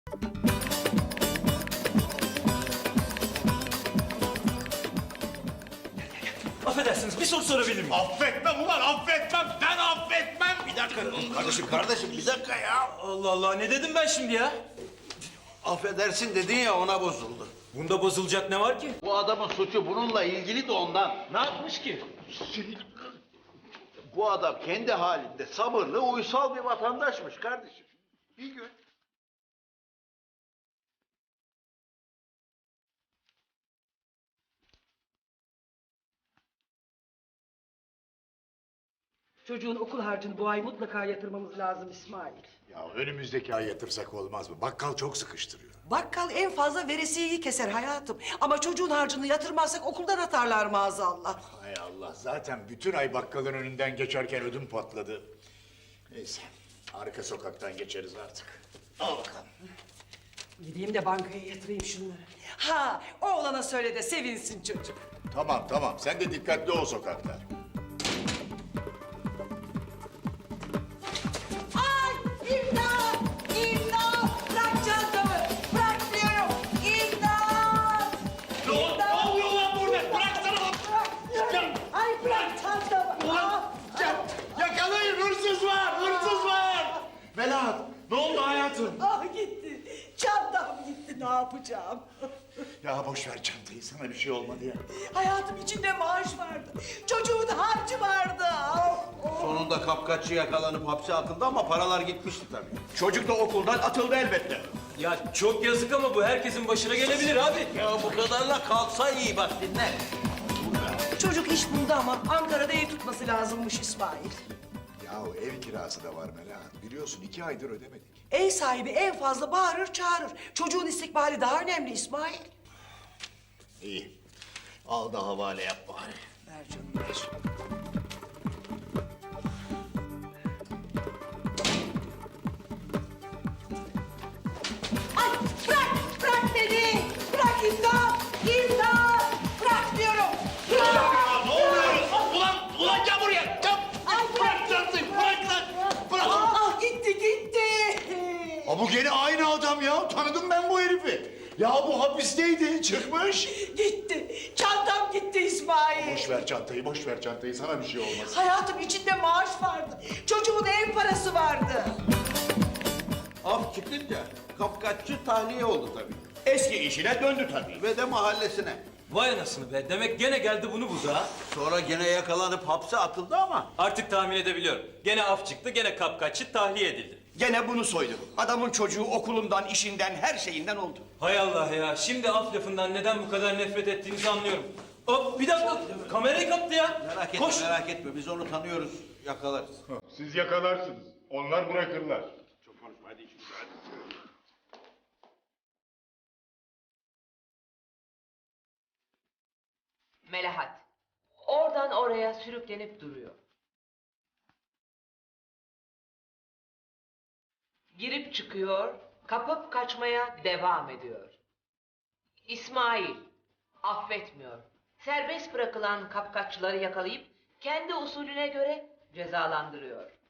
Affedersiniz, bir soru sorabilir miyim? Affetmem ulan, affetmem. Ben affetmem. Bir dakika kardeşim bir dakika ya. Allah Allah, ne dedim ben şimdi ya? Affedersin dedin ya ona bozuldu. Bunda bozulacak ne var ki? Bu adamın suçu bununla ilgili de ondan. Ne yapmış ki? Bu adam kendi halinde sabırlı, uysal bir vatandaşmış kardeşim. Bir gün Çocuğun okul harcını bu ay mutlaka yatırmamız lazım İsmail. Ya önümüzdeki ay yatırsak olmaz mı? Bakkal çok sıkıştırıyor. Bakkal en fazla veresiyeyi keser hayatım. Ama çocuğun harcını yatırmazsak okuldan atarlar maazallah. Hay Allah, zaten bütün ay bakkalın önünden geçerken ödüm patladı. Neyse, arka sokaktan geçeriz artık. Al bakalım. Gideyim de bankaya yatırayım şunları. Ha, oğlana söyle de sevinsin çocuk. Tamam, sen de dikkatli ol sokakta. Ay imdat! İmdat! Bırak çantamı! Bırak diyorum! İmdat! Ne oluyor lan burada? Bıraksana! Ay bırak çantamı! Ah! Yakalayın, hırsız var! Melahat, ne oldu hayatım? Ah gitti! Çantam gitti, ne yapacağım? Ya boş ver çantayı, sana bir şey olmadı ya. Hayatım içinde maaş vardı. Çocuğun harcı vardı. Oh, oh. sonunda kapkaççı yakalanıp hapse atıldı ama paralar gitmişti tabii. Çocuk da okuldan atıldı elbette. Ya çok yazık ama bu herkesin başına gelebilir abi. Ya bu kadarla kalsa iyi bak dinle. Çocuk iş buldu ama Ankara'da ev tutması lazımmış İsmail. Ya ev kirası da var Melahat. Biliyorsun 2 aydır ödemedik. Ev sahibi en fazla bağırır çağırır. Çocuğun istikbali daha önemli İsmail. İyi. Al da havale yap bari. Ver canım ver. Ay bırak beni. Bırak imdat. İmdat. Bırak diyorum. Bırak. Ne oluyor? Ulan gel buraya! Gel! Ay Bırak çantayı, bırak lan! Bırak! Ah gitti gitti. Ha bu gene aynı adam ya. Tanıdım ben bu herifi. Ya bu hapisteydi, çıkmış. Gitti. Çantam gitti İsmail. Boş ver çantayı. Sana bir şey olmaz. Hayatım içinde maaş vardı. Çocuğun ev parası vardı. Af çıkınca kapkaççı tahliye oldu tabii. Eski işine döndü tabii. Ve de mahallesine. Vay anasını be, demek gene geldi bunu buldu ha. Sonra gene yakalanıp hapse atıldı ama Artık tahmin edebiliyorum. Gene af çıktı, gene kapkaççı tahliye edildi. Gene bunu soydu. Adamın çocuğu okulundan, işinden, her şeyinden oldu. Hay Allah ya, şimdi af lafından neden bu kadar nefret ettiğinizi anlıyorum. Hop bir dakika, kamerayı kaptı ya. merak etme biz onu tanıyoruz, yakalarız. Siz yakalarsınız. Onlar bırakırlar. Çok konuşma hadi şimdi hadi. Melahat. Oradan oraya sürüklenip duruyor. Girip çıkıyor, kapıp kaçmaya devam ediyor. İsmail affetmiyor. Serbest bırakılan kapkaççıları yakalayıp kendi usulüne göre cezalandırıyor.